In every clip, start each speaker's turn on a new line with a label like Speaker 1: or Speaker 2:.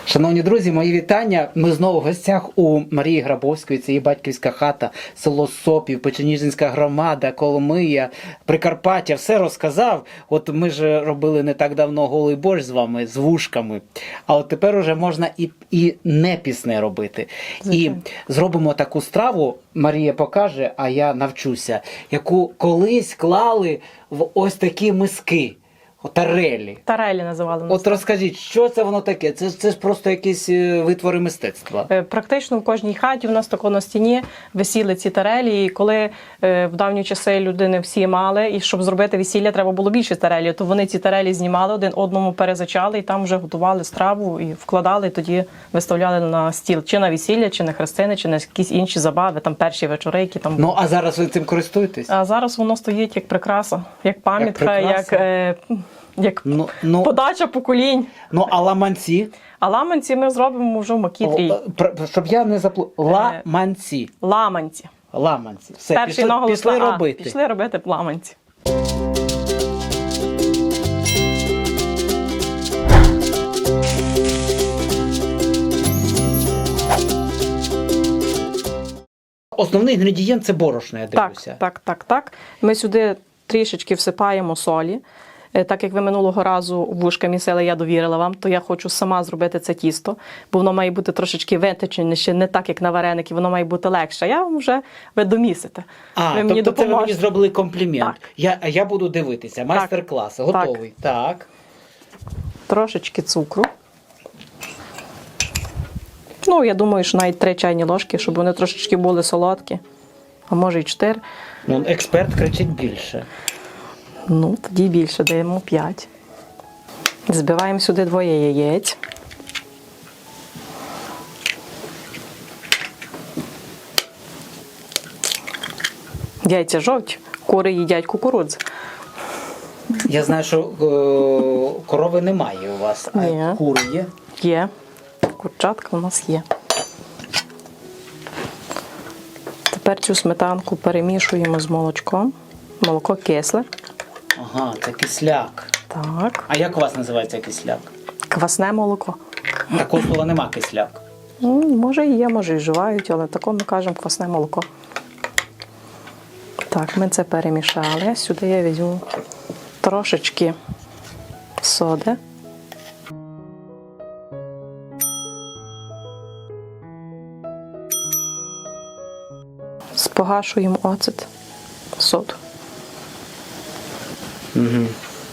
Speaker 1: Шановні друзі, мої вітання. Ми знову в гостях у Марії Грабовської. Це її батьківська хата, село Сопів, Печеніжинська громада, Коломия, Прикарпаття. Все розказав. От ми ж робили не так давно голий борщ з вами, з вушками. А от тепер уже можна і не пісне робити.
Speaker 2: Звичайно.
Speaker 1: І зробимо таку страву, Марія покаже, а я навчуся, яку колись клали в ось такі миски. Тарелі.
Speaker 2: Тарелі називали нас.
Speaker 1: От розкажіть, що це воно таке? Це ж просто якісь витвори мистецтва.
Speaker 2: Практично в кожній хаті в нас тако на стіні висіли ці тарелі, і коли в давні часи людини всі мали, і щоб зробити весілля, треба було більше тарелі, то вони ці тарелі знімали, один одному перезачали, і там вже готували страву, і вкладали, і тоді виставляли на стіл, чи на весілля, чи на хрестини, чи на якісь інші забави, там перші вечори, які там були.
Speaker 1: Ну, а зараз ви цим користуєтесь?
Speaker 2: А зараз воно стоїть як прикраса, як пам'ятка, як подача поколінь.
Speaker 1: Ну, а ламанці?
Speaker 2: А ламанці ми зробимо вже в макітрі.
Speaker 1: Щоб я не ламанці.
Speaker 2: Ламанці.
Speaker 1: Ламанці. Все,
Speaker 2: Перший наголос
Speaker 1: пішли
Speaker 2: на А.
Speaker 1: робити.
Speaker 2: Пішли робити ламанці.
Speaker 1: Основний інгредієнт – це борошно, я дивлюся.
Speaker 2: Так. Ми сюди трішечки всипаємо солі. Так як ви минулого разу вушка місили, я довірила вам, то я хочу сама зробити це тісто, бо воно має бути трошечки виточеніше, не так, як на вареники, воно має бути легше. Я вам вже ви домісите.
Speaker 1: Ви мені тобто це ви мені зробили комплімент.
Speaker 2: Так.
Speaker 1: Я буду дивитися. Майстер-клас. Готовий. Так.
Speaker 2: Трошечки цукру. Ну, я думаю, що навіть 3 чайні ложки, щоб вони трошечки були солодкі. А може і 4.
Speaker 1: Ну, експерт кричить більше.
Speaker 2: Ну, тоді більше, даємо 5. Збиваємо сюди 2 яєць. Яйця жовті, кури їдять кукурудзу.
Speaker 1: Я знаю, що корови немає у вас, а
Speaker 2: Ні.
Speaker 1: кури є?
Speaker 2: Є. Курчатка у нас є. Тепер цю сметанку перемішуємо з молочком. Молоко кисле.
Speaker 1: Ага, це кисляк.
Speaker 2: Так.
Speaker 1: А як у вас називається кисляк?
Speaker 2: Квасне молоко.
Speaker 1: Такого слова нема кисляк.
Speaker 2: Ну, може і є, може і вживають, але тако ми кажемо квасне молоко. Так, ми це перемішали. Сюди я візьму трошечки соди. Спогашуємо оцет, соду.
Speaker 1: Угу.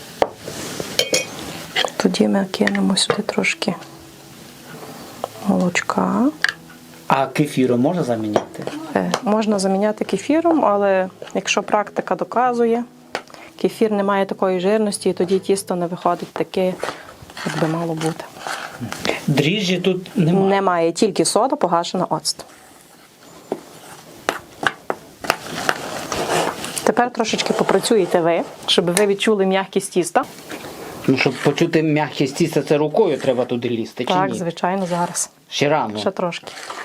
Speaker 2: Тоді ми кинемо сюди трошки молочка.
Speaker 1: А кефіром можна заміняти?
Speaker 2: Можна заміняти кефіром, але якщо практика доказує, кефір не має такої жирності, і тоді тісто не виходить таке, як би мало бути.
Speaker 1: Дріжджі тут немає?
Speaker 2: Немає, тільки сода, погашена оцет. Тепер трошечки попрацюєте ви, щоб ви відчули м'якість тіста.
Speaker 1: Ну, щоб почути м'якість тіста, це рукою треба туди лізти, чи
Speaker 2: Так,
Speaker 1: ні?
Speaker 2: звичайно, зараз.
Speaker 1: Ще рано.
Speaker 2: Ще трошки.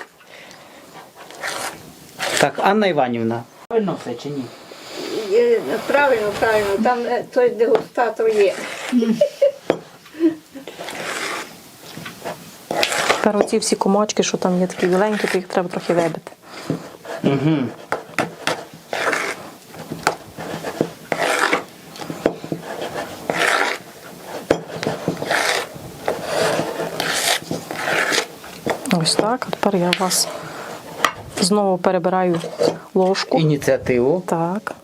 Speaker 1: Так, Анна Іванівна. Правильно все чи ні?
Speaker 3: Правильно. Там той дегустатор є.
Speaker 2: Тепер оці всі комочки, що там є такі біленькі, то їх треба трохи вибити.
Speaker 1: Угу.
Speaker 2: Ось так. А тепер я вас знову перебираю ложку.
Speaker 1: Ініціативу.
Speaker 2: Так.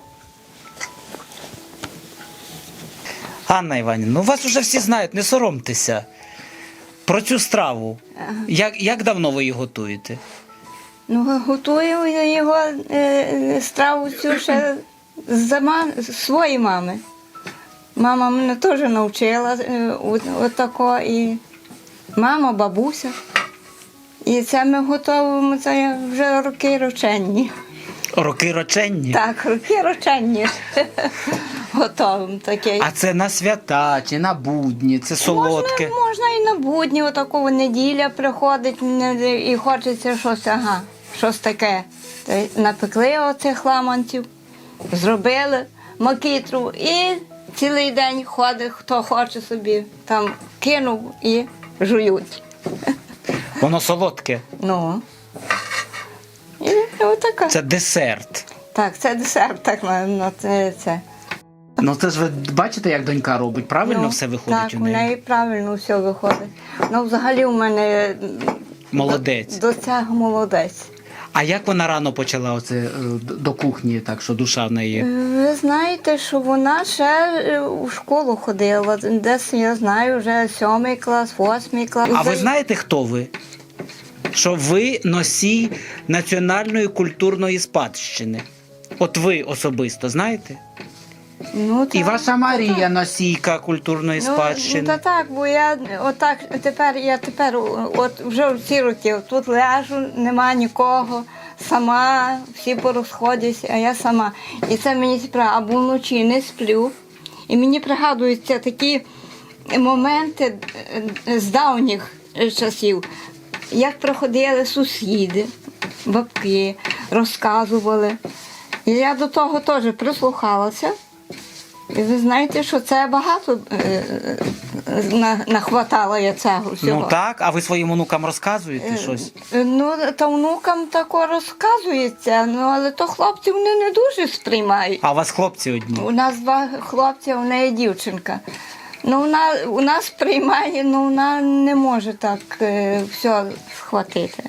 Speaker 1: Анна Іванівна, ну вас вже всі знають, не соромтеся. Про цю страву. Як давно ви її готуєте?
Speaker 3: Ну, готую я його страву цю ще з своєї мами. Мама мене теж навчила отако. І мама, бабуся. І це ми готуємо, це вже роки роченні.
Speaker 1: Роки роченні?
Speaker 3: Так, роки роченні готуємо таке.
Speaker 1: А це на свята чи на будні, це солодке?
Speaker 3: Можна і на будні, отакого неділя приходить і хочеться щось таке. Напекли оцих ламанців, зробили макітру і цілий день ходить, хто хоче собі, там кинув і жують.
Speaker 1: Воно солодке.
Speaker 3: Ну. І отака.
Speaker 1: Це десерт.
Speaker 3: Так, це десерт, так на це.
Speaker 1: Ну це ж ви бачите, як донька робить, правильно
Speaker 3: Ну,
Speaker 1: все виходить
Speaker 3: так,
Speaker 1: у неї?
Speaker 3: неї правильно все виходить. Ну, взагалі у мене
Speaker 1: Молодець.
Speaker 3: до цього молодець.
Speaker 1: А як вона рано почала оце до кухні, так що душа в неї?
Speaker 3: Ви знаєте, що вона ще у школу ходила. Десь, я знаю, вже 7 клас, 8 клас.
Speaker 1: А ви знаєте, хто ви? Що ви носій національної культурної спадщини. От ви особисто знаєте?
Speaker 3: Ну,
Speaker 1: І
Speaker 3: так,
Speaker 1: ваша Марія
Speaker 3: так.
Speaker 1: носійка культурної
Speaker 3: Ну,
Speaker 1: спадщини.
Speaker 3: та так, бо я отак тепер, от вже в ці роки тут ляжу, нема нікого, сама, всі порозходяться, а я сама. І це мені справа, або вночі не сплю. І мені пригадуються такі моменти з давніх часів, як приходили сусіди, бабки, розказували. І я до того теж прислухалася. І ви знаєте, що це багато нахватало я цього всього.
Speaker 1: Ну так, а ви своїм онукам розказуєте щось?
Speaker 3: Ну, та внукам тако розказується, ну, але то хлопці вони не дуже сприймають.
Speaker 1: А у вас хлопці одні?
Speaker 3: У нас 2 хлопці, а в неї дівчинка. Ну, вона сприймає, ну вона не може так все схватити.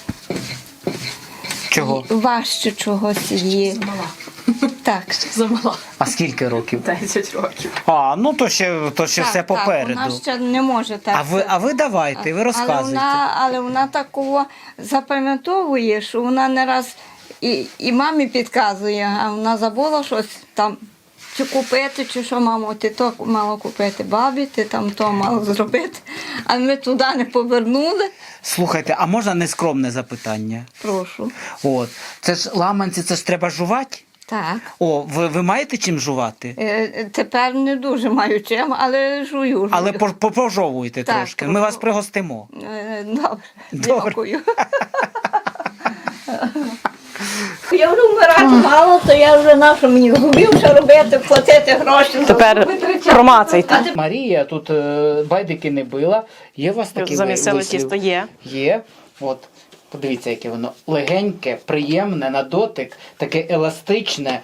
Speaker 1: Чого?
Speaker 3: Важче чогось є.
Speaker 2: Замала.
Speaker 3: Так.
Speaker 2: Замала.
Speaker 1: А скільки років?
Speaker 2: 10 років.
Speaker 1: А, ну то ще все
Speaker 3: Так,
Speaker 1: попереду.
Speaker 3: вона ще не може так.
Speaker 1: А ви давайте, ви розказуйте.
Speaker 3: Але вона такого запам'ятовує, що вона не раз і мамі підказує, а вона забула щось там, чи купити, чи що, мамо, ти то мало купити бабі, ти там то мало зробити. А ми туди не повернули.
Speaker 1: Слухайте, а можна нескромне запитання?
Speaker 3: Прошу.
Speaker 1: От, це ж ламанці, це ж треба жувати?
Speaker 3: Так.
Speaker 1: О, ви маєте чим жувати?
Speaker 3: Тепер не дуже маю чим, але жую.
Speaker 1: Але пожовуйте
Speaker 3: Так,
Speaker 1: трошки, ми вас пригостимо.
Speaker 3: Добре,
Speaker 1: Добре.
Speaker 3: дякую. Я вже вмирати мало, то я вже на що мені зубів ще робити, платити гроші. за
Speaker 2: Тепер
Speaker 3: витрачати.
Speaker 2: промацайте.
Speaker 1: Марія тут байдики не била. Є у вас такі
Speaker 2: Замісили
Speaker 1: вислів?
Speaker 2: тісто є.
Speaker 1: Є. От, подивіться, яке воно легеньке, приємне на дотик, таке еластичне.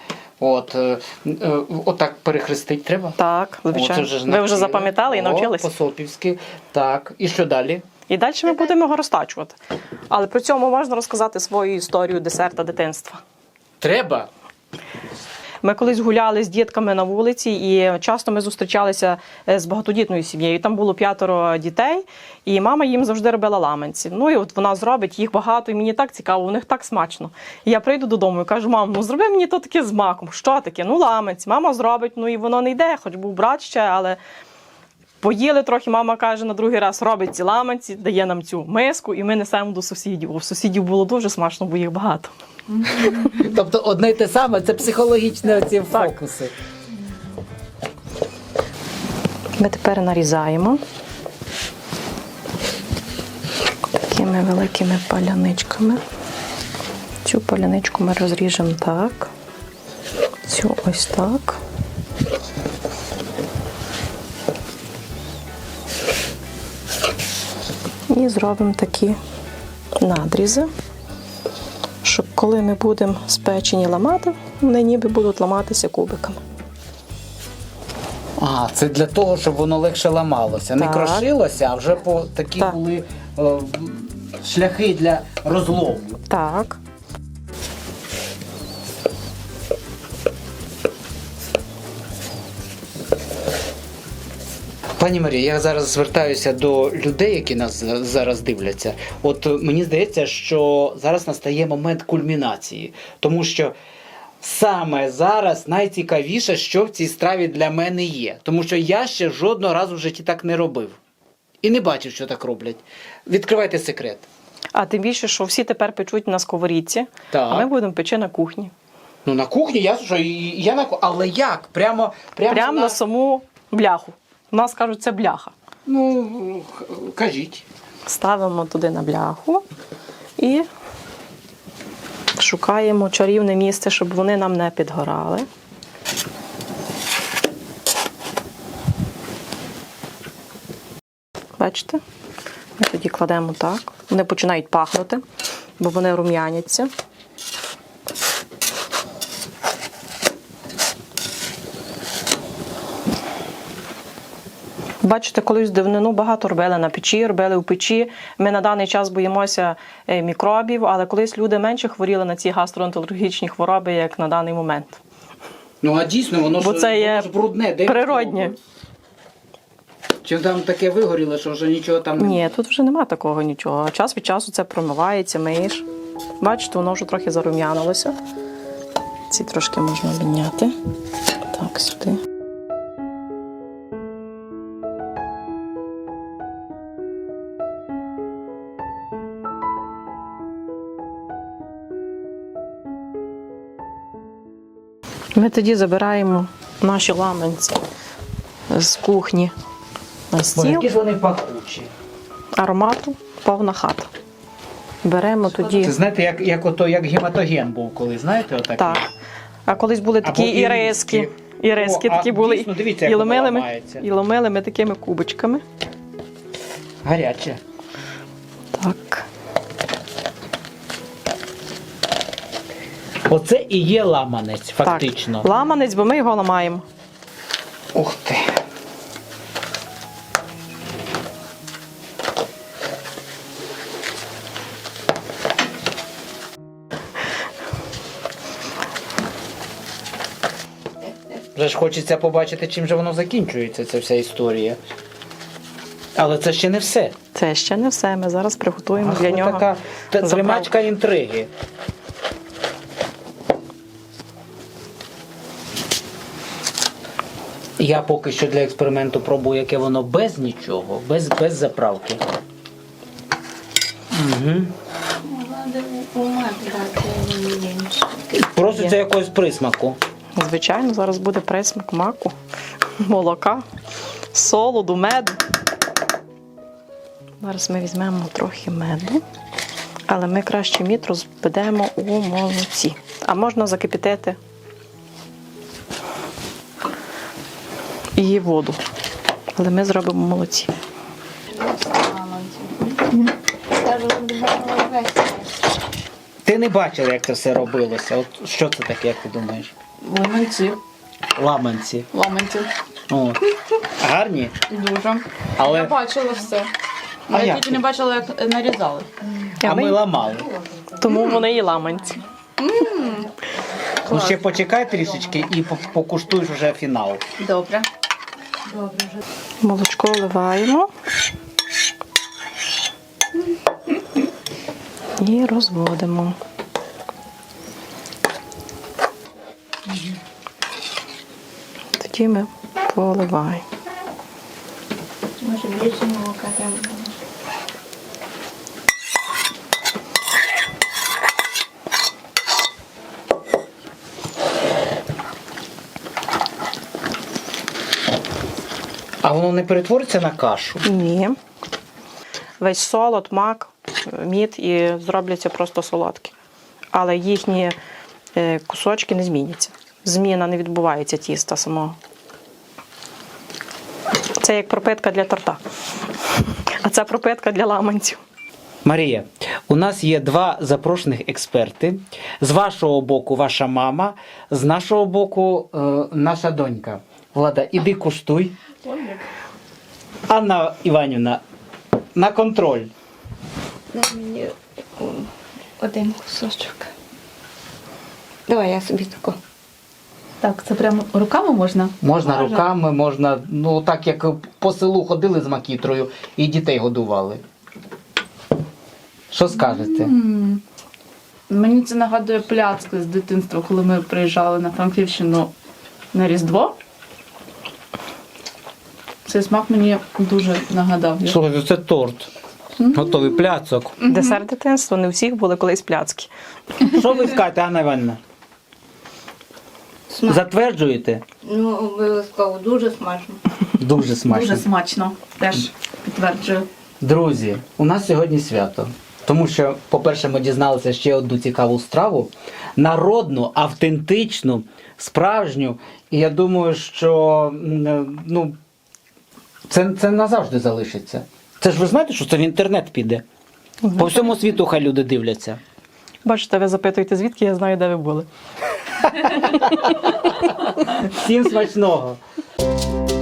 Speaker 1: Отак перехрестить треба.
Speaker 2: Так,
Speaker 1: О,
Speaker 2: звичайно.
Speaker 1: це
Speaker 2: Ви вже
Speaker 1: навчили.
Speaker 2: запам'ятали і навчились.
Speaker 1: По-сопівськи. Так. І що далі?
Speaker 2: І далі ми будемо його розтачувати. Але при цьому можна розказати свою історію десерта дитинства.
Speaker 1: Треба.
Speaker 2: Ми колись гуляли з дітками на вулиці, і часто ми зустрічалися з багатодітною сім'єю. Там було 5 дітей, і мама їм завжди робила ламанці. Ну і от вона зробить їх багато, і мені так цікаво, у них так смачно. І я прийду додому і кажу: мам, ну зроби мені то таке з маком. Що таке? Ну ламанці. Мама зробить, ну і воно не йде, хоч був брат ще, але поїли трохи, мама каже, на другий раз робить ці ламанці, дає нам цю миску, і ми несемо до сусідів. У сусідів було дуже смачно, бо їх багато.
Speaker 1: Тобто одне й те саме, це психологічні оці фокуси.
Speaker 2: Ми тепер нарізаємо такими великими паляничками. Цю паляничку ми розріжемо так, цю ось так. І зробимо такі надрізи, щоб коли ми будемо спечені ламати, вони ніби будуть ламатися кубиками.
Speaker 1: А, це для того, щоб воно легше ламалося. Не
Speaker 2: Так.
Speaker 1: крошилося, а вже такі
Speaker 2: Так.
Speaker 1: були шляхи для розлому.
Speaker 2: Так.
Speaker 1: Пані Марія, я зараз звертаюся до людей, які нас зараз дивляться. От мені здається, що зараз настає момент кульмінації, тому що саме зараз найцікавіше, що в цій страві для мене є. Тому що я ще жодного разу в житті так не робив. І не бачив, що так роблять. Відкривайте секрет.
Speaker 2: А тим більше, що всі тепер печуть на сковорідці,
Speaker 1: Так.
Speaker 2: а ми будемо печи на кухні.
Speaker 1: Ну на кухні, ясно, що я на кухні. Але як? Прямо
Speaker 2: На саму бляху. У нас кажуть, це бляха.
Speaker 1: Ну, кажіть.
Speaker 2: Ставимо туди на бляху і шукаємо чарівне місце, щоб вони нам не підгорали. Бачите? Ми тоді кладемо так. Вони починають пахнути, бо вони рум'яняться. Бачите, колись давнину багато робили на печі, робили в печі. Ми на даний час боїмося мікробів, але колись люди менше хворіли на ці гастроентерологічні хвороби, як на даний момент.
Speaker 1: Ну а дійсно, воно
Speaker 2: Бо це є
Speaker 1: брудне. Де
Speaker 2: природнє.
Speaker 1: Чи там таке вигоріло, що вже нічого там не...
Speaker 2: Ні, тут вже нема такого нічого. Час від часу це промивається, миєш. Бачите, воно вже трохи зарум'янилося. Ці трошки можна обміняти. Так, сюди. Ми тоді забираємо наші ламанці з кухні на
Speaker 1: Бо
Speaker 2: стіл.
Speaker 1: які ж вони пахучі.
Speaker 2: Аромату повна хата. Беремо тоді.
Speaker 1: Це знаєте, як гематоген був коли, знаєте, отакий?
Speaker 2: Так. А колись були такі
Speaker 1: Або
Speaker 2: іриски. Іриски
Speaker 1: О, а
Speaker 2: такі були.
Speaker 1: дійсно, дивіться, як
Speaker 2: І
Speaker 1: воно
Speaker 2: ломили ми,
Speaker 1: ламається.
Speaker 2: і ломили ми такими кубочками.
Speaker 1: Гаряче.
Speaker 2: Так.
Speaker 1: Оце і є ламанець, фактично.
Speaker 2: Так. Ламанець, бо ми його ламаємо.
Speaker 1: Ух ти. Вже ж хочеться побачити, чим же воно закінчується, ця вся історія. Але це ще не все.
Speaker 2: Це ще не все. Ми зараз приготуємо
Speaker 1: Ах,
Speaker 2: для
Speaker 1: ви
Speaker 2: нього.
Speaker 1: така
Speaker 2: заправку.
Speaker 1: тримачка інтриги. Я поки що для експерименту пробую, яке воно без нічого, без заправки. Угу. Проситься якогось присмаку.
Speaker 2: Звичайно, зараз буде присмак маку, молока, солоду, меду. Зараз ми візьмемо трохи меду, але ми краще мід розведемо у молоці. А можна закипятити і воду. Але ми зробимо в молоці.
Speaker 1: Ти не бачила, як це все робилося. От що це таке, як ти думаєш?
Speaker 4: Лимонці,
Speaker 1: Ламанці.
Speaker 4: ламанці.
Speaker 1: О. Гарні?
Speaker 4: Дуже. Я
Speaker 1: Але
Speaker 4: бачила все.
Speaker 1: А
Speaker 4: Я
Speaker 1: як
Speaker 4: тільки
Speaker 1: ви?
Speaker 4: не бачила, як нарізали.
Speaker 1: а ми ламали.
Speaker 2: Тому вони і ламанці.
Speaker 1: Ну ще почекай трішечки і покуштуєш вже фінал.
Speaker 4: Добре.
Speaker 2: Молочко вливаємо і розводимо. Тоді ми поливаємо.
Speaker 3: Може, більше молока треба.
Speaker 1: А воно не перетвориться на кашу?
Speaker 2: Ні. Весь солод, мак, мід і зробляться просто солодкі. Але їхні кусочки не зміняться. Зміна не відбувається тіста самого. Це як пропитка для торта. А це пропитка для ламанців.
Speaker 1: Марія, у нас є два запрошених експерти. З вашого боку ваша мама, з нашого боку наша донька. Влада, іди куштуй. Анна Іванівна, на контроль.
Speaker 3: Дай мені один кусочок. Давай я собі тако.
Speaker 4: Так, це прямо руками можна?
Speaker 1: Можна руками, можна, ну так як по селу ходили з макітрою і дітей годували. Що скажете?
Speaker 4: Мені це нагадує пляцки з дитинства, коли ми приїжджали на Франківщину на Різдво. Цей смак мені дуже нагадав.
Speaker 1: Слухайте, це торт. Готовий пляцок.
Speaker 2: Десерт дитинства, не у всіх були колись пляцки.
Speaker 1: Що ви скажете, Анна Іванівна? Затверджуєте?
Speaker 3: Ну, обов'язково, дуже смачно.
Speaker 1: Дуже смачно.
Speaker 4: Дуже смачно. Теж підтверджую.
Speaker 1: Друзі, у нас сьогодні свято. Тому що, по-перше, ми дізналися ще одну цікаву страву. Народну, автентичну, справжню. І я думаю, що ну, це назавжди залишиться. Це ж ви знаєте, що це в інтернет піде. По всьому світу хай люди дивляться.
Speaker 2: Бачите, ви запитуєте, звідки я знаю, де ви були.
Speaker 1: Всім смачного!